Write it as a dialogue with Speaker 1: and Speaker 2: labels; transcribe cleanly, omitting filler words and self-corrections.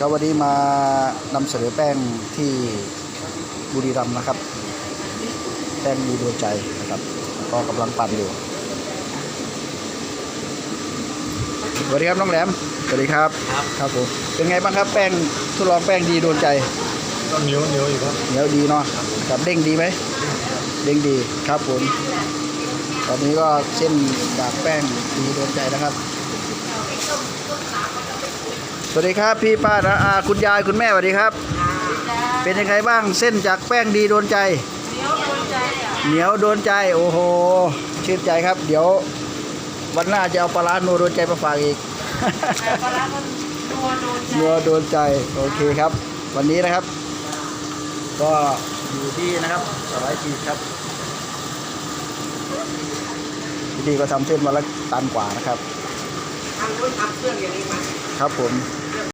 Speaker 1: ก็วันนี้มานำเสนอแป้งที่บุรีรัมย์นะครับแป้งดีดวงใจนะครับก็กำลังปั่นอยู่สวัสดีครับน้องแหลมสวัสดีครับครับผมเป็นไงบ้างครับแป้งทดลองแป้งดีดวงใจ
Speaker 2: ก็เหนียวอยู่ครับ
Speaker 1: เหนียวดีเนาะกับเด้งดีไหมเด้งดีครับผมตอนนี้ก็เส้นจากแป้งดีดวงใจนะครับสวัสดีครับพี่ป้านะคุณยายคุณแม่สวัสดีครับเป็นยังไงบ้างเส้นจากแป้งดีโดนใจเหนียวโดนใจโอ้โหชื่นใจครับเดี๋ยววันหน้าจะเอาปลาร้านัวโดนใจมาฝากอีก
Speaker 3: ปลาร้านัวโดนใจ
Speaker 1: โอเคครับ วันนี้นะครับก็อยู่ที่นะครับสบายจีครับพี่ดีก็ทำเส้นมาละตันกว่านะครับ
Speaker 3: ทำเครื่องอย่างนี้มา
Speaker 1: ครับผม